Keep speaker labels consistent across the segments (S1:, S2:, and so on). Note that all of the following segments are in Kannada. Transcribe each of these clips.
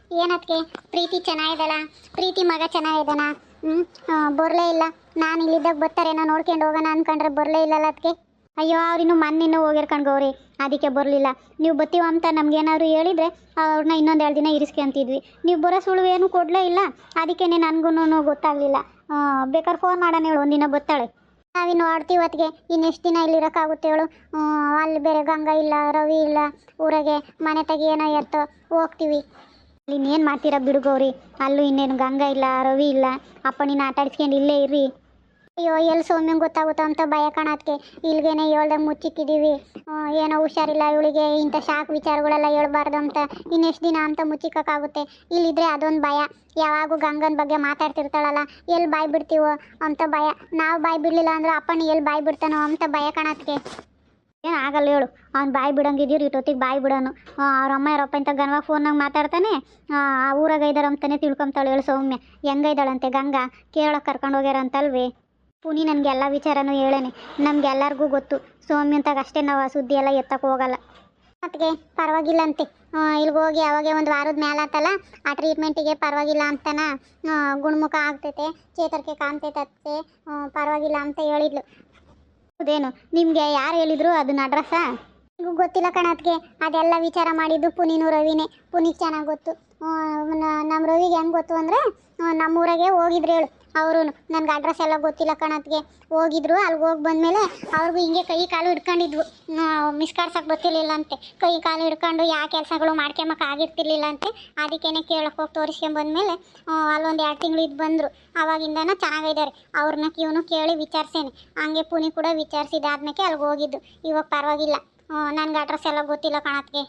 S1: ಏನತ್ಗೆ ಪ್ರೀತಿ ಚೆನ್ನಾಗಿದಳ? ಪ್ರೀತಿ ಮಗ ಚೆನ್ನಾಗಿದ್ದಾನ? ಬರಲೇ ಇಲ್ಲ. ನಾನು ಇಲ್ಲಿದ್ದಾಗ ಬರ್ತಾರೇನೋ ನೋಡ್ಕೊಂಡು ಹೋಗೋಣ ಅನ್ಕೊಂಡ್ರೆ ಬರಲೇ ಇಲ್ಲಲ್ಲ ಅದಕ್ಕೆ. ಅಯ್ಯೋ ಅವ್ರಿನ್ನೂ ಮೊನ್ನೆ ಹೋಗಿರ್ಕೊಂಡು ಗೌರಿ, ಅದಕ್ಕೆ ಬರಲಿಲ್ಲ. ನೀವು ಬತ್ತೀವ ಅಂತ ನಮ್ಗೇನಾದ್ರು ಹೇಳಿದರೆ ಅವ್ರನ್ನ ಇನ್ನೊಂದು 2 ದಿನ ಇರಿಸ್ಕೊಂತಿದ್ವಿ. ನೀವು ಬರೋ ಸುಳಿವು ಏನೂ ಕೊಡಲೇ ಇಲ್ಲ. ಅದಕ್ಕೇ ನನಗೂ ಗೊತ್ತಾಗಲಿಲ್ಲ. ಬೇಕಾದ್ರೆ ಫೋನ್ ಮಾಡೋಣ ಹೇಳು, ಒಂದಿನ ಬರ್ತಾಳೆ. ನಾವಿನ್ನು ಆಡ್ತೀವಿ ಹೊತ್ತಿಗೆ ಇನ್ನೆಷ್ಟು ದಿನ ಇಲ್ಲಿರೋಕ್ಕಾಗುತ್ತೆ ಹೇಳು? ಅಲ್ಲಿ ಬೇರೆ ಗಂಗಾ ಇಲ್ಲ, ರವಿ ಇಲ್ಲ ಊರಾಗೆ. ಮನೆ ತೆಗಿ ಏನೋ ಎತ್ತೋ ಹೋಗ್ತೀವಿ. ಅಲ್ಲಿ ಇನ್ನೇನು ಮಾಡ್ತೀರಾ ಬಿಡು ಗೌರಿ. ಅಲ್ಲೂ ಇನ್ನೇನು ಗಂಗಾ ಇಲ್ಲ, ರವಿ ಇಲ್ಲ. ಅಪ್ಪ ನೀನು ಆಟ ಆಡಿಸ್ಕೊಂಡು ಇಲ್ಲೇ ಇರ್ರಿ. ಅಯ್ಯೋ ಎಲ್ಲಿ ಸೌಮ್ಯಂಗೆ ಗೊತ್ತಾಗುತ್ತೋ ಅಂತ ಭಯ ಕಾಣೋದಕ್ಕೆ ಇಲ್ಲಿಗೇನೆ ಹೇಳ್ದಂಗೆ ಮುಚ್ಚಿಕ್ಕಿದ್ದೀವಿ. ಏನೋ ಹುಷಾರಿಲ್ಲ ಇವಳಿಗೆ, ಇಂಥ ಶಾಕ್ ವಿಚಾರಗಳೆಲ್ಲ ಹೇಳ್ಬಾರ್ದು ಅಂತ ಇನ್ನೆಷ್ಟು ದಿನ ಅಂತ ಮುಚ್ಚಿಕ್ಕಾಗುತ್ತೆ. ಇಲ್ಲಿದ್ರೆ ಅದೊಂದು ಭಯ. ಯಾವಾಗೂ ಗಂಗನ ಬಗ್ಗೆ ಮಾತಾಡ್ತಿರ್ತಾಳಲ್ಲ, ಎಲ್ಲಿ ಬಾಯಿ ಬಿಡ್ತೀವೋ ಅಂತ ಭಯ. ನಾವು ಬಾಯಿ ಬಿಡಲಿಲ್ಲ ಅಂದ್ರೆ ಅಪ್ಪನ ಎಲ್ಲಿ ಬಾಯಿ ಬಿಡ್ತಾನೋ ಅಂತ ಭಯ ಕಾಣೋದಕ್ಕೆ. ಏನು ಆಗಲ್ಲ ಹೇಳು. ಅವ್ನು ಬಾಯಿ ಬಿಡಂಗಿದ್ದೀರಿ ಇಟ್ಟೊತ್ತಿಗೆ ಬಾಯಿ ಬಿಡೋನು. ಅವ್ರ ಅಮ್ಮ ಯಾರಪ್ಪ ಇಂಥ ಗನವಾಗ ಫೋನ್ನಾಗ ಮಾತಾಡ್ತಾನೆ. ಆ ಊರಾಗ ಇದ್ದಾರೆ ಅಂತಾನೆ ತಿಳ್ಕೊಂತಾಳೆ ಹೇಳು ಸೌಮ್ಯ. ಹೆಂಗೈದಾಳಂತೆ ಗಂಗಾ, ಕೇಳೋಕೆ ಕರ್ಕೊಂಡು ಹೋಗ್ಯಾರ ಅಂತಲ್ವೇ. ಪುನಿ ನನಗೆ ಎಲ್ಲ ವಿಚಾರನೂ ಹೇಳೇನೆ. ನಮಗೆಲ್ಲರಿಗೂ ಗೊತ್ತು. ಸೌಮ್ಯಂತಾಗ ಅಷ್ಟೇ ನಾವು ಆ ಸುದ್ದಿ ಎಲ್ಲ ಎತ್ತಕ್ಕೆ ಹೋಗಲ್ಲ. ಅದಕ್ಕೆ ಪರವಾಗಿಲ್ಲ ಅಂತೆ. ಇಲ್ಲಿಗೆ ಹೋಗಿ ಅವಾಗೆ ಒಂದು ವಾರದ ಮೇಲೆ ಆತಲ್ಲ, ಆ ಟ್ರೀಟ್ಮೆಂಟಿಗೆ ಪರವಾಗಿಲ್ಲ ಅಂತನ ಗುಣಮುಖ ಆಗ್ತೈತೆ, ಚೇತರಿಕೆ ಕಾಣ್ತೈತೆ, ಪರವಾಗಿಲ್ಲ ಅಂತ ಹೇಳಿದ್ಲು. ಹೌದೇನು? ನಿಮಗೆ ಯಾರು ಹೇಳಿದ್ರು ಅದನ್ನ ಅಡ್ರೆಸ್ಸಾ? ನಿಮಗೂ ಗೊತ್ತಿಲ್ಲ ಕಣತ್ಗೆ. ಅದೆಲ್ಲ ವಿಚಾರ ಮಾಡಿದ್ದು ಪುನಿನೂ ರವಿನೇ. ಪುನಿಗೆ ಚೆನ್ನಾಗಿ ಗೊತ್ತು. ನಮ್ಮ ರವಿಗೆ ಹೆಂಗೆ ಗೊತ್ತು ಅಂದರೆ, ನಮ್ಮೂರಾಗೆ ಹೋಗಿದ್ರು ಹೇಳು ಅವರು. ನನಗೆ ಅಡ್ರೆಸ್ ಎಲ್ಲ ಗೊತ್ತಿಲ್ಲ ಕಣತ್ಗೆ. ಹೋಗಿದ್ರು, ಅಲ್ಲಿಗೆ ಹೋಗಿ ಬಂದಮೇಲೆ ಅವ್ರಿಗೂ ಹಿಂಗೆ ಕೈ ಕಾಲು ಹಿಡ್ಕೊಂಡಿದ್ವು. ಮಿಸ್ ಕಾಡ್ಸಕ್ಕೆ ಗೊತ್ತಿರಲಿಲ್ಲ ಅಂತೆ. ಕೈ ಕಾಲು ಹಿಡ್ಕೊಂಡು ಯಾವ ಕೆಲಸಗಳು ಮಾಡ್ಕೊಂಬಕ್ಕೆ ಆಗಿರ್ತಿರ್ಲಿಲ್ಲ ಅಂತೆ. ಅದಕ್ಕೇನೆ ಕೇಳಕ್ಕೆ ಹೋಗಿ ತೋರಿಸ್ಕೊಂಬಂದ್ಮೇಲೆ ಅಲ್ಲೊಂದು 2 ತಿಂಗಳು ಇದ್ದು ಬಂದರು. ಆವಾಗಿಂದನೂ ಚೆನ್ನಾಗಿದ್ದಾರೆ. ಅವ್ರನ್ನ ಇವನು ಕೇಳಿ ವಿಚಾರಿಸೇನೆ. ಹಂಗೆ ಪುನಿ ಕೂಡ ವಿಚಾರಿಸಿದಾದ್ಮೇಲೆ ಅಲ್ಲಿಗೆ ಹೋಗಿದ್ದು. ಇವಾಗ ಪರವಾಗಿಲ್ಲ. ನನಗೆ ಅಡ್ರೆಸ್ ಎಲ್ಲ ಗೊತ್ತಿಲ್ಲ ಕಣತ್ಗೆ.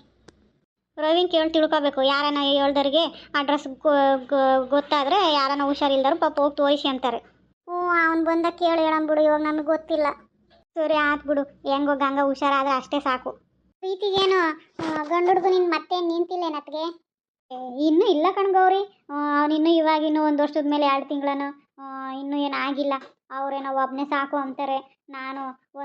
S1: ರವಿನ ಕೇಳಿ ತಿಳ್ಕೊಬೇಕು. ಯಾರನ್ನ ಹೇಳ್ದವ್ರಿಗೆ ಅಡ್ರೆಸ್ ಗೊತ್ತಾದರೆ ಯಾರನ್ನ ಹುಷಾರಿಲ್ದರು ಪಾಪ ಹೋಗಿ ತೋರಿಸಿ ಅಂತಾರೆ. ಅವ್ನು ಬಂದಾಗ ಕೇಳಿ ಹೇಳಂಬಿಡು. ಇವಾಗ ನಮಗೆ ಗೊತ್ತಿಲ್ಲ. ಸರಿ ಆಯ್ತು ಬಿಡು. ಹೆಂಗೋ ಗಂಗಾ ಹುಷಾರಾದರೆ ಅಷ್ಟೇ ಸಾಕು. ಪ್ರೀತಿಗೇನು ಗಂಡು ಹುಡುಗ ನಿನ್ನ ಮತ್ತೆ ನಿಂತಿಲ್ಲೇನತ್ಗೆ? ಇನ್ನೂ ಇಲ್ಲ ಕಣ್ಗೌರಿ. ಅವನಿನ್ನೂ ಇವಾಗಿನ್ನೂ 1 ವರ್ಷದ ಮೇಲೆ 2 ತಿಂಗಳನು. ಇನ್ನೂ ಏನಾಗಿಲ್ಲ. ಅವರೇನೋ ಒಬ್ಬನೇ ಸಾಕು ಅಂತಾರೆ. ನಾನು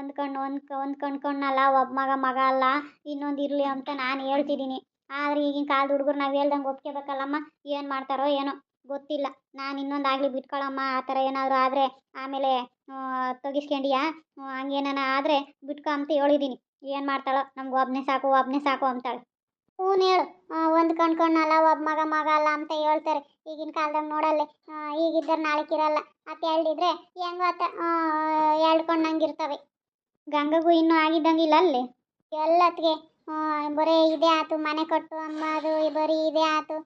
S1: ಹೊಂದ್ಕೊಂಡ್ನಲ್ಲ, ಒಬ್ಬ ಮಗ ಅಲ್ಲ, ಇನ್ನೊಂದು ಇರಲಿ ಅಂತ ನಾನು ಹೇಳ್ತಿದ್ದೀನಿ. ಆದರೆ ಈಗಿನ ಕಾಲದ ಹುಡುಗರು ನಾವು ಹೇಳ್ದಂಗೆ ಒಪ್ಕೋಬೇಕಲ್ಲಮ್ಮ. ಏನು ಮಾಡ್ತಾರೋ ಏನೋ ಗೊತ್ತಿಲ್ಲ. ನಾನು ಇನ್ನೊಂದಾಗಲಿ ಬಿಟ್ಕೊಳಮ್ಮ. ಆ ಥರ ಏನಾದರೂ ಆದರೆ ಆಮೇಲೆ ತೆಗಿಸ್ಕೊಂಡಿಯಾ, ಹಂಗೇನಾನ ಆದರೆ ಬಿಟ್ಕೊ ಅಂತ ಹೇಳಿದ್ದೀನಿ. ಏನು ಮಾಡ್ತಾಳೋ, ನಮ್ಗೆ ಒಬ್ಬನೇ ಸಾಕು ಅಂತಾಳೆ. ಹ್ಞೂ ಹೇಳು. ಹೊಂದ್ಕೊಂಡ್ನಲ್ಲ, ಒಬ್ಬ ಮಗ ಅಲ್ಲ ಅಂತ ಹೇಳ್ತಾರೆ. ಈಗಿನ ಕಾಲದಾಗ ನೋಡಲ್ಲೇ, ಈಗಿದ್ದರೆ ನಾಳೆಕಿರಲ್ಲ ಅಂತ ಹೇಳಿದ್ರೆ ಹೆಂಗೋ ಆತ ಹೇಳ್ಕೊಂಡಂಗಿರ್ತವೆ. ಗಂಗಗೂ ಇನ್ನೂ ಆಗಿದ್ದಂಗಿಲ್ಲ ಅಲ್ಲಿ ಎಲ್ಲತ್ತಿಗೆ. ಬರೀ ಇದೇ ಆಯ್ತು, ಮನೆ ಕಟ್ಟು ಅಂಬದು ಬರೀ ಇದೇ ಆಯ್ತು.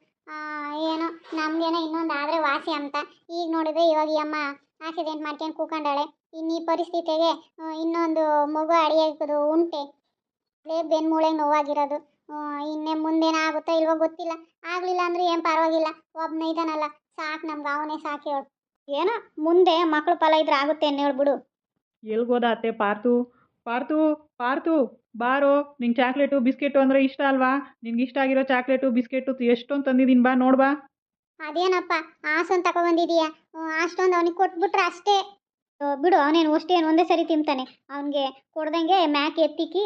S1: ಏನೋ ನಮಗೇನೋ ಇನ್ನೊಂದು ಆದರೆ ವಾಸಿ ಅಂತ. ಈಗ ನೋಡಿದ್ರೆ ಇವಾಗ ಈ ಅಮ್ಮ ಆಕ್ಸಿಡೆಂಟ್ ಮಾಡ್ಕೊಂಡು ಕೂಕೊಂಡಾಳೆ. ಇನ್ನು ಈ ಪರಿಸ್ಥಿತಿಗೆ ಇನ್ನೊಂದು ಮಗು ಅಡಿಯೋದು ಉಂಟೆ. ಅದೇ ಬೆನ್ಮೂಳೆಗೆ ನೋವಾಗಿರೋದು. ಇನ್ನೇ ಮುಂದೇನಾಗುತ್ತೋ ಇಲ್ವೋ ಗೊತ್ತಿಲ್ಲ. ಆಗಲಿಲ್ಲ ಅಂದ್ರೆ ಏನು ಪರವಾಗಿಲ್ಲ, ಒಬ್ಬನೇ ಇದ್ದಾನಲ್ಲ ಸಾಕು, ನಮ್ಗೆ ಅವನೇ ಸಾಕು ಹೇಳು. ಏನೋ ಮುಂದೆ ಮಕ್ಕಳು ಫಲ ಇದ್ರೆ ಆಗುತ್ತೆ ಅಂತ ಹೇಳ್ಬಿಡು.
S2: ಎಲ್ಗೋದ ಅತ್ತೆ? ಪಾರ್ತು ಪಾರ್ತು ಪಾರ್ತು ಬಾರೋ. ನಿಂಗೆ ಚಾಕ್ಲೇಟು ಬಿಸ್ಕೆಟು ಅಂದರೆ ಇಷ್ಟ ಅಲ್ವಾ? ನಿನ್ಗೆ ಇಷ್ಟ ಆಗಿರೋ ಚಾಕ್ಲೇಟು ಬಿಸ್ಕೆಟು ಎಷ್ಟೊಂದು ತಂದಿದ್ದೀನಿ, ಬಾ ನೋಡ್ಬಾ.
S1: ಅದೇನಪ್ಪ ಆಸೊಂದು ತಗೊಬಂದಿದೀಯಾ? ಅಷ್ಟೊಂದು ಅವನಿಗೆ ಕೊಟ್ಬಿಟ್ರೆ ಅಷ್ಟೇ. ಬಿಡು, ಅವನೇನು ಅಷ್ಟೇನು ಒಂದೇ ಸರಿ ತಿಂತಾನೆ. ಅವನಿಗೆ ಕೊಡ್ದಂಗೆ ಮ್ಯಾಕ್ ಎತ್ತಿಕ್ಕಿ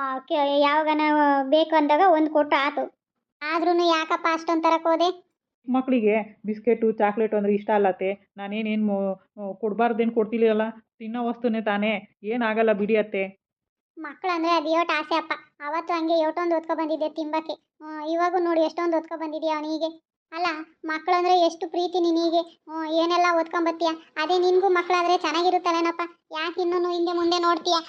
S1: ಯಾವಾಗನ ಬೇಕು ಅಂದಾಗ ಒಂದು ಕೊಟ್ಟು ಆತು. ಆದ್ರೂ ಯಾಕಪ್ಪ ಅಷ್ಟೊಂದು ತರಕ್ಕೆ ಹೋದೆ?
S2: ಮಕ್ಕಳಿಗೆ ಬಿಸ್ಕೆಟು ಚಾಕ್ಲೇಟು ಅಂದರೆ ಇಷ್ಟ ಅಲ್ಲತ್ತೆ. ನಾನೇನೇನು ಕೊಡಬಾರ್ದೇನು ಕೊಡ್ತಿಲ್ಲ, ತಿನ್ನೋ ವಸ್ತುನೇ ತಾನೇ, ಏನಾಗಲ್ಲ ಬಿಡಿ ಅತ್ತೆ.
S1: ಮಕ್ಕಳಂದ್ರೆ ಅದು ಯೋಟ್ ಆಸೆ ಅಪ್ಪ. ಅವತ್ತು ಹಂಗೆ ಯೋಟೊಂದು ಹೊತ್ಕೊ ಬಂದಿದ್ದೆ ತಿಂಬಕ್ಕೆ. ಇವಾಗೂ ನೋಡಿ ಎಷ್ಟೊಂದು ಹೊತ್ಕೊ ಬಂದಿದ್ಯಾ ಅವನಿಗೆ. ಅಲ್ಲ, ಮಕ್ಕಳಂದ್ರೆ ಎಷ್ಟು ಪ್ರೀತಿ ನಿನಗೆ. ಏನೆಲ್ಲ ಓದ್ಕೊಂಬತ್ತೀಯ. ಅದೇ ನಿನಗೂ ಮಕ್ಕಳಾದರೆ ಚೆನ್ನಾಗಿರುತ್ತಲ್ಲೇನಪ್ಪ. ಯಾಕೆ ಇನ್ನೂ ಹಿಂದೆ ಮುಂದೆ ನೋಡ್ತೀಯ?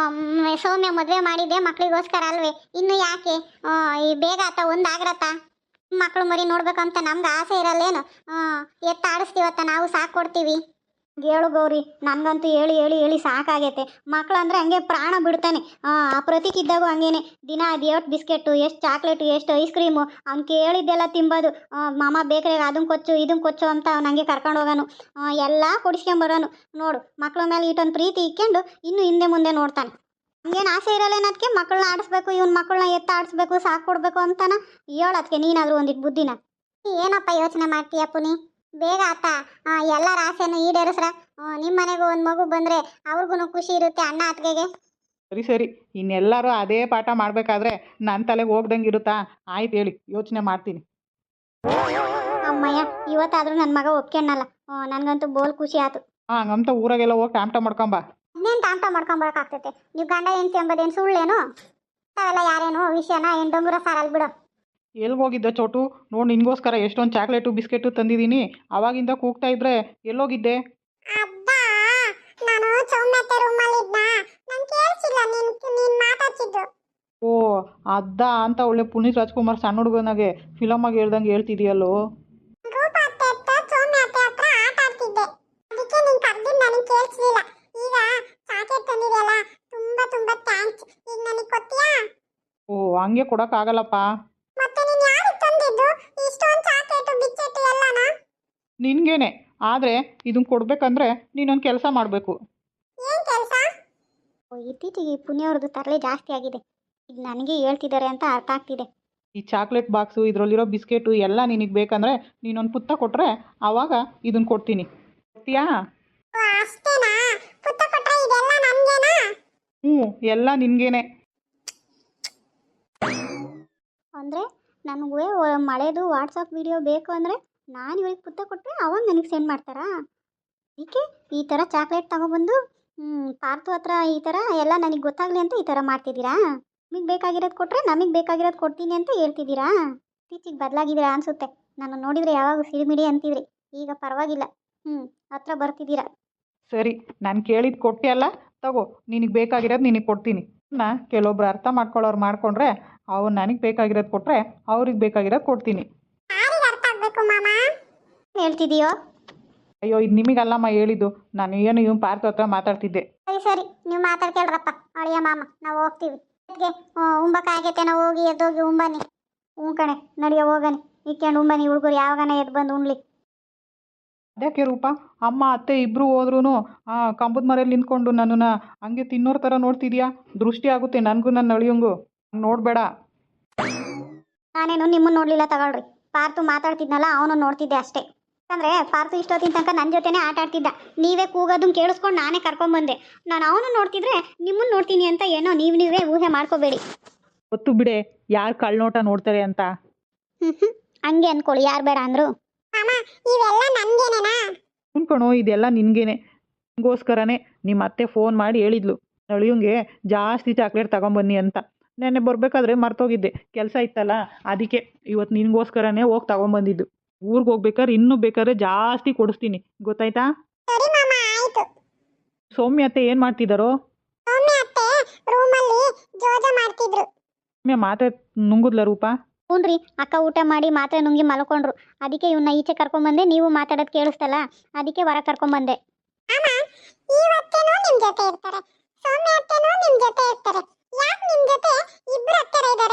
S1: ಸೌಮ್ಯ ಮದುವೆ ಮಾಡಿದ್ದೆ ಮಕ್ಕಳಿಗೋಸ್ಕರ ಅಲ್ವೇ? ಇನ್ನು ಯಾಕೆ ಈ ಬೇಗ ಆತ ಒಂದಾಗ್ರತ್ತ? ಮಕ್ಕಳು ಮರಿ ನೋಡ್ಬೇಕಂತ ನಮ್ಗೆ ಆಸೆ ಇರಲ್ಲೇನು? ಎತ್ತ ಆಡಿಸ್ತೀವತ್ತ ನಾವು ಸಾಕು ಕೊಡ್ತೀವಿ. ಹೇಳು ಗೌರಿ, ನನಗಂತೂ ಹೇಳಿ ಹೇಳಿ ಹೇಳಿ ಸಾಕಾಗೈತೆ. ಮಕ್ಕಳಂದ್ರೆ ಹಂಗೆ ಪ್ರಾಣ ಬಿಡ್ತಾನೆ. ಪ್ರತೀಕ್ ಇದ್ದಾಗೂ ಹಂಗೇನೆ. ದಿನ ಅದು ಎಷ್ಟು ಬಿಸ್ಕೆಟು, ಎಷ್ಟು ಚಾಕ್ಲೇಟು, ಎಷ್ಟು ಐಸ್ ಕ್ರೀಮು, ಅವ್ನು ಕೇಳಿದ್ದೆಲ್ಲ ತಿಂಬೋದು. ಮಾಮ ಬೇಕ್ರಿಗೆ ಅದನ್ನು ಕೊಚ್ಚು ಇದನ್ನು ಕೊಚ್ಚು ಅಂತ ಅವ್ನು ಹಂಗೆ ಕರ್ಕೊಂಡು ಹೋಗೋನು. ಎಲ್ಲ ಕೊಡಿಸ್ಕೊಂಬರೋನು. ನೋಡು, ಮಕ್ಕಳ ಮೇಲೆ ಇಟ್ಟೊಂದು ಪ್ರೀತಿ ಇಕ್ಕೊಂಡು ಇನ್ನೂ ಹಿಂದೆ ಮುಂದೆ ನೋಡ್ತಾನೆ. ಹಂಗೇನು ಆಸೆ ಇರಲ್ಲೇನದಕ್ಕೆ ಮಕ್ಕಳನ್ನ ಆಡಿಸ್ಬೇಕು, ಇವ್ನ ಮಕ್ಕಳನ್ನ ಎತ್ತ ಆಡಿಸ್ಬೇಕು, ಸಾಕು ಕೊಡಬೇಕು ಅಂತಾನ. ಹೇಳೋದಕ್ಕೆ ನೀನಾದರೂ ಒಂದಿಟ್ಟು ಬುದ್ಧಿನ. ಏನಪ್ಪ ಯೋಚನೆ ಮಾಡ್ತೀಯ ಪುನಿ? ಬೇಗ ಆತ ಎಲ್ಲರ ಆಸೆನೂ ಈಡೇರಿಸ್ರ. ನಿಮ್ಮ ಮನೆಗೂ ಒಂದು ಮಗು ಬಂದರೆ ಅವ್ರಿಗೂ ಖುಷಿ ಇರುತ್ತೆ ಅಣ್ಣ ಅತ್ತಿಗೆಗೆ.
S2: ಸರಿ ಸರಿ, ಇನ್ನೆಲ್ಲರೂ ಅದೇ ಪಾಠ ಮಾಡಬೇಕಾದ್ರೆ ನನ್ನ ತಲೆಗೆ ಹೋಗ್ದಂಗೆ ಇರುತ್ತಾ? ಆಯ್ತು ಹೇಳಿ, ಯೋಚನೆ ಮಾಡ್ತೀನಿ.
S1: ಅಮ್ಮಯ್ಯ, ಇವತ್ತಾದ್ರೂ ನನ್ನ ಮಗ ಒಪ್ಕೊಂಡಲ್ಲ. ನನಗಂತೂ ಬೋಲ್ ಖುಷಿ ಆಯ್ತು.
S2: ಹಂಗಂತ ಊರಾಗೆಲ್ಲ ಹೋಗಿ ಟಾಮ್ಟ ಮಾಡ್ಕೊಂಬ.
S1: ಇನ್ನೇನು ಟಾಮ್ಟ ಮಾಡ್ಕೊಂಬರಕ್ಕಾಗ್ತೈತೆ? ನೀವು ಗಂಡ ಹೆಂಡ್ತಿ ಎಂಬುದೇನು ಸುಳ್ಳೇನು? ಅವೆಲ್ಲ ಯಾರೇನು ವಿಷಯನ ಏನು ಡೊಂಗುರ ಸಾರಲ್ಲಿ ಬಿಡು.
S2: ಎಲ್ಲಿಗೆ ಹೋಗಿದ್ದೆ ಚೋಟು? ನೋಡಿ ನಿನಗೋಸ್ಕರ ಎಷ್ಟೊಂದು ಚಾಕ್ಲೇಟು ಬಿಸ್ಕೆಟು ತಂದಿದ್ದೀನಿ. ಅವಾಗಿಂದ ಕೂಗ್ತಾ ಇದ್ರೆ ಎಲ್ಲೋಗಿದ್ದೆ?
S1: ಅಬ್ಬಾ, ನಾನು ಸೌಮ್ಯತೆ ರೂಮಲ್ಲಿದ್ನ, ನಾನು ಕೇಳಿಸಿಲ್ಲ ನೀನು ಮಾತಾಡ್ತಿದ್ದು.
S2: ಓ ಅದ್ದ ಅಂತ ಒಳ್ಳೆ ಪುನೀತ್ ರಾಜ್ಕುಮಾರ್ ಸಣ್ಣ ಹುಡುಗನಾಗೆ ಫಿಲಮಾಗಿ ಹೇಳ್ದಂಗೆ ಹೇಳ್ತಿದೆಯಲ್ಲೋ.
S1: ರೂಪ ಅತ್ತೆ ಹತ್ರ ಸೌಮ್ಯ ಅತ್ತೆ ಹತ್ರ ಆಟ ಆಡ್ತಿದ್ದೆ, ಅದಕ್ಕೆ ನೀನು ಕರೆದಿದ್ದು ನನಗೆ ಕೇಳಿಸ್ಲಿಲ್ಲ. ಈಗ ಚಾಕ್ಲೇಟ್ ತಂದಿದೆಯಲ್ಲ, ತುಂಬಾ ತುಂಬಾ ಥ್ಯಾಂಕ್ಸ್. ಈಗ ನನಗೆ ಕೊಡ್ತೀಯಾ?
S2: ಓ ಹಂಗೆ ಕೊಡೋಕ್ಕಾಗಲ್ಲಪ್ಪ.
S1: ಮತ್ತೆ ನೀನು ಯಾರಿಗೆ ತಂದಿದ್ದು ಇಷ್ಟೊಂದು ಚಾಕ್ಲೇಟು ಬಿಚ್ಚೆಟ್ಟು ಎಲ್ಲನಾ?
S2: ನಿನಗೇನೆ, ಆದರೆ ಇದನ್ನು ಕೊಡಬೇಕಂದ್ರೆ ನೀನೊಂದು ಕೆಲಸ ಮಾಡಬೇಕು.
S1: ಏನು ಕೆಲಸ? ಇತ್ತೀಚೆಗೆ ಪುಣ್ಯವ್ರದ್ದು ತರಲೆ ಜಾಸ್ತಿ ಆಗಿದೆ. ಇದು ನನಗೆ ಹೇಳ್ತಿದ್ದಾರೆ ಅಂತ ಅರ್ಥ ಆಗ್ತಿದೆ.
S2: ಈ ಚಾಕ್ಲೇಟ್ ಬಾಕ್ಸು ಇದರಲ್ಲಿರೋ ಬಿಸ್ಕೆಟು ಎಲ್ಲ ನಿನಗೆ ಬೇಕಂದರೆ ನೀನೊಂದು ಪುತ್ತ ಕೊಟ್ಟರೆ ಆವಾಗ ಇದನ್ನು ಕೊಡ್ತೀನಿ. ಕೊಡ್ತೀಯಾ?
S1: ಅಷ್ಟೇನಾ? ಪುತ್ತ ಕೊಟ್ರೆ ಇದೆಲ್ಲ ನನಗೇನಾ?
S2: ಹ್ಞೂ, ಎಲ್ಲ ನಿನಗೇನೆ.
S1: ಅಂದರೆ ನನಗೆ ಮಳೆದು ವಾಟ್ಸಪ್ ವಿಡಿಯೋ ಬೇಕು ಅಂದರೆ ನಾನು ಇವ್ರಿಗೆ ಪುತ್ತ ಕೊಟ್ಟರೆ ಅವಾಗ ನನಗೆ ಸೆಂಡ್ ಮಾಡ್ತಾರಾ? ಅದಕ್ಕೆ ಈ ಥರ ಚಾಕ್ಲೇಟ್ ತಗೊಬಂದು ಪಾರ್ತು ಹತ್ರ ಈ ಥರ ಎಲ್ಲ ನನಗೆ ಗೊತ್ತಾಗಲಿ ಅಂತ ಈ ಥರ ಮಾಡ್ತಿದ್ದೀರಾ? ನಿಮಗೆ ಬೇಕಾಗಿರೋದು ಕೊಟ್ಟರೆ ನಮಗೆ ಬೇಕಾಗಿರೋದು ಕೊಡ್ತೀನಿ ಅಂತ ಹೇಳ್ತಿದ್ದೀರಾ? ಇತ್ತೀಚಿಗೆ ಬದಲಾಗಿದ್ದೀರಾ ಅನಿಸುತ್ತೆ. ನಾನು ನೋಡಿದರೆ ಯಾವಾಗ ಸಿಡಿಮಿಡಿ ಅಂತಿದ್ರಿ, ಈಗ ಪರವಾಗಿಲ್ಲ. ಹತ್ರ ಬರ್ತಿದ್ದೀರಾ.
S2: ಸರಿ, ನಾನು ಕೇಳಿದ್ದು ಕೊಟ್ಟೆ ತಗೋ, ನಿನಗೆ ಬೇಕಾಗಿರೋದು ನಿನಗೆ ಕೊಡ್ತೀನಿ. ಕೆಲವೊಬ್ರು ಅರ್ಥ ಮಾಡ್ಕೊಳ್ಳೋರು ಮಾಡ್ಕೊಂಡ್ರೆ ಅವ್ರು ನನಗೆ ಬೇಕಾಗಿರೋದು ಕೊಟ್ಟರೆ ಅವ್ರಿಗೆ ಬೇಕಾಗಿರೋದು ಕೊಡ್ತೀನಿ.
S1: ಯಾರಿಗೆ ಅರ್ಥ ಆಗಬೇಕು ಮಾಮ? ಹೇಳ್ತಿದೀಯೋ?
S2: ಅಯ್ಯೋ, ಇದು ನಿಮಗಲ್ಲಮ್ಮ ಹೇಳಿದ್ದು, ನಾನು ಏನು ಇವ್ನು ಪಾರ್ಥ ಹತ್ರ ಮಾತಾಡ್ತಿದ್ದೆ.
S1: ಸರಿ ಸರಿ, ನೀವು ಮಾತಾಡ್ಕೇಳ್ರಪ್ಪ ಅಳಿಯ ಮಾಮ, ನಾವು ಹೋಗ್ತೀವಿ. ಉಂಬಕ್ಕಾಗೈತೆ, ನಾವು ಹೋಗಿ ಎದ್ದೋಗಿ ಉಂಬನಿ. ಹ್ಞೂ ಕಣೆ, ನಡಿಯೋ ಹೋಗನಿ. ಇಕ್ಕೊಂಡು ಉಂಬನಿ, ಹುಡುಗರು ಯಾವಾಗನ ಎದ್ದು ಬಂದು ಉಣ್ಲಿ.
S2: ಅದಕ್ಕೆ ರೂಪ, ಅಮ್ಮ ಅತ್ತೆ ಇಬ್ಬರು ಹೋದ್ರೂ ಕಂಬದ ಮರೆಯಲ್ಲಿ ನಿಂತ್ಕೊಂಡು ನನ್ನನ್ನು ಹಂಗೆ ತಿನ್ನೋರ ಥರ ನೋಡ್ತಿದ್ಯಾ? ದೃಷ್ಟಿ ಆಗುತ್ತೆ ನನಗೂ ನನ್ನ ಅಳಿಯಂಗೂ. ನೋಡಬೇಡ.
S1: ನಾನೇನು ನಿಮ್ಮನ್ನು ನೋಡಲಿಲ್ಲ ತಗೊಳ್ರಿ. ಪಾರ್ತು ಮಾತಾಡ್ತಿದ್ನಲ್ಲ, ಅವನು ನೋಡ್ತಿದ್ದೆ ಅಷ್ಟೇ. ಯಾಕಂದರೆ ಪಾರ್ತು ಇಷ್ಟೊತ್ತಿನ ತನಕ ನನ್ನ ಜೊತೆನೇ ಆಟ ಆಡ್ತಿದ್ದ. ನೀವೇ ಕೂಗೋದನ್ನು ಕೇಳಿಸ್ಕೊಂಡು ನಾನೇ ಕರ್ಕೊಂಬಂದೆ. ನಾನು ಅವನು ನೋಡ್ತಿದ್ರೆ ನಿಮ್ಮನ್ನು ನೋಡ್ತೀನಿ ಅಂತ ಏನೋ ನೀವೇ ಊಹೆ ಮಾಡ್ಕೋಬೇಡಿ.
S2: ಗೊತ್ತು ಬಿಡೆ, ಯಾರು ಕಳ್ನೋಟ ನೋಡ್ತಾರೆ ಅಂತ.
S1: ಹಂಗೆ ಅನ್ಕೊಳ್ಳಿ, ಯಾರು ಬೇಡ ಅಂದರು. ಇವೆಲ್ಲ ನನಗೇನೇನಾ?
S2: ಅನ್ಕೊಣೋ, ಇದೆಲ್ಲ ನಿನಗೇನೆ. ನಿಮಗೋಸ್ಕರನೇ ನಿಮ್ಮ ಅತ್ತೆ ಫೋನ್ ಮಾಡಿ ಹೇಳಿದ್ಲು ಅಳಿಯಂಗೆ ಜಾಸ್ತಿ ಚಾಕ್ಲೇಟ್ ತಗೊಂಬನ್ನಿ ಅಂತ. ನೆನ್ನೆ ಬರಬೇಕಾದ್ರೆ ಮರ್ತೋಗಿದ್ದೆ, ಕೆಲಸ ಇತ್ತಲ್ಲ, ಅದಕ್ಕೆ ಇವತ್ತು ನಿನಗೋಸ್ಕರನೇ ಹೋಗಿ ತಗೊಂಬಂದಿದ್ದು. ಊರಿಗೆ ಹೋಗ್ಬೇಕಾದ್ರೆ ಇನ್ನೂ ಬೇಕಾದ್ರೆ ಜಾಸ್ತಿ ಕೊಡಿಸ್ತೀನಿ, ಗೊತ್ತಾಯ್ತಾ?
S1: ಸರಿ ಮಾಮ, ಆಯ್ತು.
S2: ಸೌಮ್ಯ ಅತ್ತೆ ಏನು ಮಾಡ್ತಿದ್ದಾರೋ?
S1: ಸೌಮ್ಯ ಅತ್ತೆ ರೂಮಲ್ಲಿ ಜೋಜ ಮಾಡ್ತಿದ್ರು.
S2: ಸೌಮ್ಯ ಮಾತೆ ನುಂಗುದ್ಲ ರೂಪ?
S1: ಹ್ಞೂನ್ರಿ, ಅಕ್ಕ ಊಟ ಮಾಡಿ ಮಾತ್ರೆ ನುಂಗಿ ಮಲ್ಕೊಂಡ್ರು. ಅದಕ್ಕೆ ಇವನ್ನ ಈಚೆ ಕರ್ಕೊಂಬಂದೆ. ನೀವು ಮಾತಾಡೋದು ಕೇಳಿಸ್ತಲ್ಲ, ಅದಕ್ಕೆ ಹೊರ ಕರ್ಕೊಂಬಂದೆ. ಅಮ್ಮ, ಇವತ್ತೇನೋ ನಿಮ್ಮ ಜೊತೆ ಇರ್ತಾರೆ, ಸೌಮ್ಯ ಅತ್ತೆನೋ ನಿಮ್ಮ ಜೊತೆ ಇರ್ತಾರೆ. ಯಾಕೆ ನಿಮ್ಮ ಜೊತೆ ಇಬ್ಬರು ಹತ್ತಿರ ಇದ್ದಾರೆ?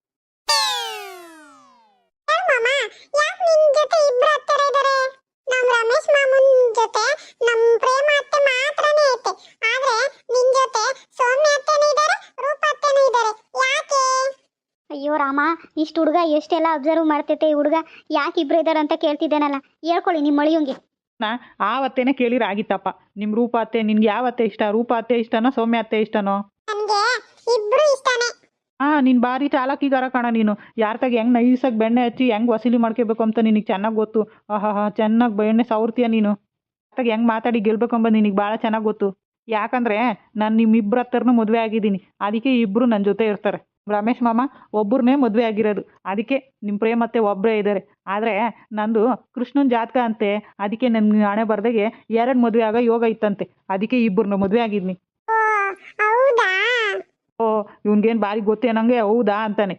S1: ಮಾಮ, ಯಾಕೆ ನಿಮ್ಮ ಜೊತೆ ಇಬ್ಬರು ಹತ್ತಿರ ಇದ್ದಾರೆ? ನಮ್ಮ ರಮೇಶ್ ಮಾಮನ್ ಜೊತೆ ನಮ್ಮ ಪ್ರೇಮ ಅತ್ತೆ ಮಾತ್ರನೇ ಐತೆ, ಆದ್ರೆ ನಿನ್ನ ಜೊತೆ ಸೌಮ್ಯ ಅತ್ತೆನೂ ಇದ್ದಾರೆ, ರೂಪ ಅತ್ತೆನೂ ಇದ್ದಾರೆ. ಯಾಕೆ? ಅಯ್ಯೋ ರಾಮ, ಇಷ್ಟು ಹುಡುಗ ಎಷ್ಟೆಲ್ಲ ಅಬ್ಸರ್ವ್ ಮಾಡ್ತೈತೆ. ಈ ಹುಡುಗ ಯಾಕೆ ಇಬ್ಬರು ಇದ್ದಾರೆ ಅಂತ ಕೇಳ್ತಿದ್ದೇನಲ್ಲ, ಹೇಳ್ಕೊಳ್ಳಿ ನಿಮ್ಮ ಮಳಿಯಂಗೆ.
S2: ಆವತ್ತೇನೆ ಕೇಳಿರ ಆಗಿತ್ತಪ್ಪ. ನಿಮ್ಮ ರೂಪ ಅತ್ತೆ ನಿನ್ಗೆ ಯಾವ ಅತ್ತೆ ಇಷ್ಟ? ರೂಪ ಅತ್ತೆ ಇಷ್ಟನೋ ಸೌಮ್ಯ ಅತ್ತೆ ಇಷ್ಟನೋ?
S1: ನನಗೆ ಇಬ್ರು ಇಷ್ಟನೇ.
S2: ನೀನು ಭಾರಿ ಚಾಲಾಕಿಗಾರ ಕಣ ನೀನು. ಯಾರ ತಗ ಹೆಂಗೆ ನೈಸಾಗಿ ಬೆಣ್ಣೆ ಹಚ್ಚಿ ಹೆಂಗೆ ವಸೂಲಿ ಮಾಡ್ಕೋಬೇಕು ಅಂತ ನಿನಗೆ ಚೆನ್ನಾಗಿ ಗೊತ್ತು. ಚೆನ್ನಾಗಿ ಬೆಣ್ಣೆ ಸವರ್ತೀಯ ನೀನು. ತಗ ಹೆಂಗೆ ಮಾತಾಡಿ ಗೆಲ್ಬೇಕಂಬ ನಿನಗೆ ಭಾಳ ಚೆನ್ನಾಗಿ ಗೊತ್ತು. ಯಾಕಂದರೆ ನಾನು ನಿಮ್ಮಿಬ್ಬರ ಹತ್ರನೂ ಮದುವೆ ಆಗಿದ್ದೀನಿ, ಅದಕ್ಕೆ ಇಬ್ಬರು ನನ್ನ ಜೊತೆ ಇರ್ತಾರೆ. ರಮೇಶ್ ಮಾಮ ಒಬ್ಬರನ್ನೇ ಮದುವೆ ಆಗಿರೋದು, ಅದಕ್ಕೆ ನಿಮ್ಮ ಪ್ರೇಮತ್ತೆ ಒಬ್ಬರೇ ಇದ್ದಾರೆ. ಆದರೆ ನಂದು ಕೃಷ್ಣನ ಜಾತಕ ಅಂತೆ, ಅದಕ್ಕೆ ನನ್ನ ಹಣೆ ಬರ್ದಾಗೆ 2 ಮದುವೆ ಆಗೋ ಯೋಗ ಇತ್ತಂತೆ, ಅದಕ್ಕೆ ಇಬ್ಬರನ್ನ ಮದುವೆ ಆಗಿದ್ನಿ.
S1: ಹೌದಾ?
S2: ಓ, ಇವ್ನಿಗೇನು ಭಾರಿ ಗೊತ್ತೇನಂಗೆ ಹೌದಾ ಅಂತಾನೆ.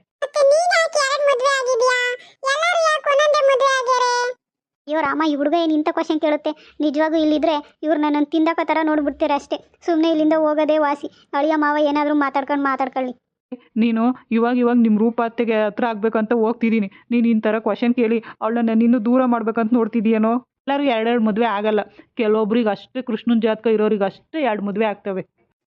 S1: ಅಯ್ಯೋ ರಾಮ, ಈ ಹುಡುಗ ಏನು ಇಂಥ ಕ್ವಶನ್ ಕೇಳುತ್ತೆ? ನಿಜವಾಗೂ ಇಲ್ಲಿದ್ರೆ ಇವ್ರು ನನ್ನನ್ನು ತಿಂದಕ್ಕ ಥರ ನೋಡ್ಬಿಡ್ತೀರ ಅಷ್ಟೇ. ಸುಮ್ಮನೆ ಇಲ್ಲಿಂದ ಹೋಗೋದೇ ವಾಸಿ. ಅಳಿಯ ಮಾವ ಏನಾದರೂ ಮಾತಾಡ್ಕೊಳ್ಳಿ.
S2: ನೀನು ಇವಾಗ ನಿಮ್ಮ ರೂಪ ಅತ್ತೆಗೆ ಹತ್ರ ಆಗ್ಬೇಕಂತ ಹೋಗ್ತಿದ್ದೀನಿ, ನೀನು ಈ ಥರ ಕ್ವಶನ್ ಕೇಳಿ ಅವಳನ್ನ ನಿನ್ನೂ ದೂರ ಮಾಡ್ಬೇಕಂತ ನೋಡ್ತಿದ್ದೀಯನೋ? ಎಲ್ಲರೂ 2 ಮದುವೆ ಆಗಲ್ಲ, ಕೆಲವೊಬ್ರಿಗೆ ಅಷ್ಟೇ ಕೃಷ್ಣನ ಜಾತಕ ಇರೋರಿಗೆ ಅಷ್ಟೇ 2 ಮದುವೆ ಆಗ್ತವೆ.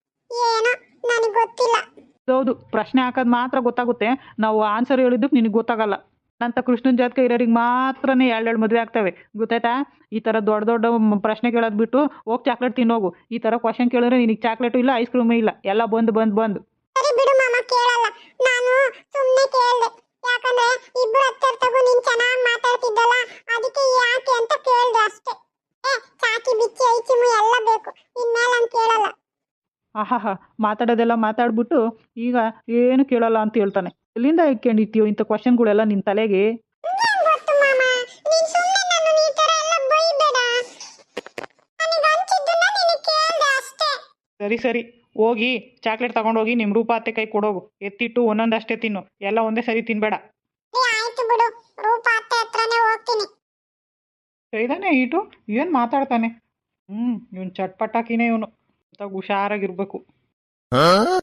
S2: ಹೌದು, ಪ್ರಶ್ನೆ ಹಾಕೋದು ಮಾತ್ರ ಗೊತ್ತಾಗುತ್ತೆ, ನಾವು ಆನ್ಸರ್ ಹೇಳಿದ್ದಕ್ಕೆ ನಿನಗೆ ಗೊತ್ತಾಗಲ್ಲ. ಅಂತ ಕೃಷ್ಣನ ಜಾತಕ ಇರೋರಿಗೆ ಮಾತ್ರನೇ 2 ಮದುವೆ ಆಗ್ತವೆ, ಗೊತ್ತಾಯ್ತಾ? ಈ ಥರ ದೊಡ್ಡ ಪ್ರಶ್ನೆ ಕೇಳೋದು ಬಿಟ್ಟು ಹೋಗಿ ಚಾಕ್ಲೇಟ್ ತಿನ್ನೋಗು. ಈ ಥರ ಕ್ವಶನ್ ಕೇಳಿದ್ರೆ ನಿನಗೆ ಚಾಕ್ಲೇಟು ಇಲ್ಲ, ಐಸ್ ಕ್ರೀಮು ಇಲ್ಲ, ಎಲ್ಲ ಬಂದು.
S1: ಸರಿ ಬಿಡು ಮಾಮ, ಕೇಳಲ್ಲ. ನಾನು ಸುಮ್ಮನೆ ಕೇಳಿದೆ, ಯಾಕಂದ್ರೆ ಇಬ್ಬರು ಹತ್ತಿರ ತಗೋ ನೀನು ಚೆನ್ನಾಗಿ
S2: ಆಹಾ ಮಾತಾಡೋದೆಲ್ಲ ಮಾತಾಡ್ಬಿಟ್ಟು ಈಗ ಏನು ಕೇಳಲ್ಲ ಅಂತ ಹೇಳ್ತಾನೆ. ಎಲ್ಲಿಂದ ಇಟ್ಕೊಂಡಿರ್ತೀಯೋ ಇಂಥ ಕ್ವಶನ್ಗಳೆಲ್ಲ ನಿನ್ನ ತಲೆಗೆ?
S1: ಗೊತ್ತು ಮಾಮ, ನೀನ್ ಸುಮ್ಮನೆ ನನ್ನ ಈ ತರ ಎಲ್ಲ ಬೈಬೇಡ. ನನಗೆ ಅನ್ಸಿದ್ದನ್ನ ನಿನಗೆ ಕೇಳ್ದೆ ಅಷ್ಟೇ.
S2: ಸರಿ ಸರಿ, ಹೋಗಿ ಚಾಕ್ಲೇಟ್ ತಗೊಂಡೋಗಿ ನಿಮ್ಮ ರೂಪ ಅತ್ತೆ ಕೈ ಕೊಡೋಗು. ಎತ್ತಿಟ್ಟು ಒಂದೊಂದಷ್ಟೇ ತಿನ್ನು, ಎಲ್ಲ ಒಂದೇ ಸರಿ ತಿನ್ಬೇಡ.
S1: ಆಯ್ತು ಬಿಡು, ರೂಪ ಅತ್ತೆ ಹತ್ರನೇ ಹೋಗ್ತೀನಿ.
S2: ಇದಾನೆ ಈಟು ಏನು ಮಾತಾಡ್ತಾನೆ. ಇವನು ಚಟ್ಪಟಾಕಿನೇ ಇವನು. ಹುಷಾರಾಗಿರ್ಬೇಕು.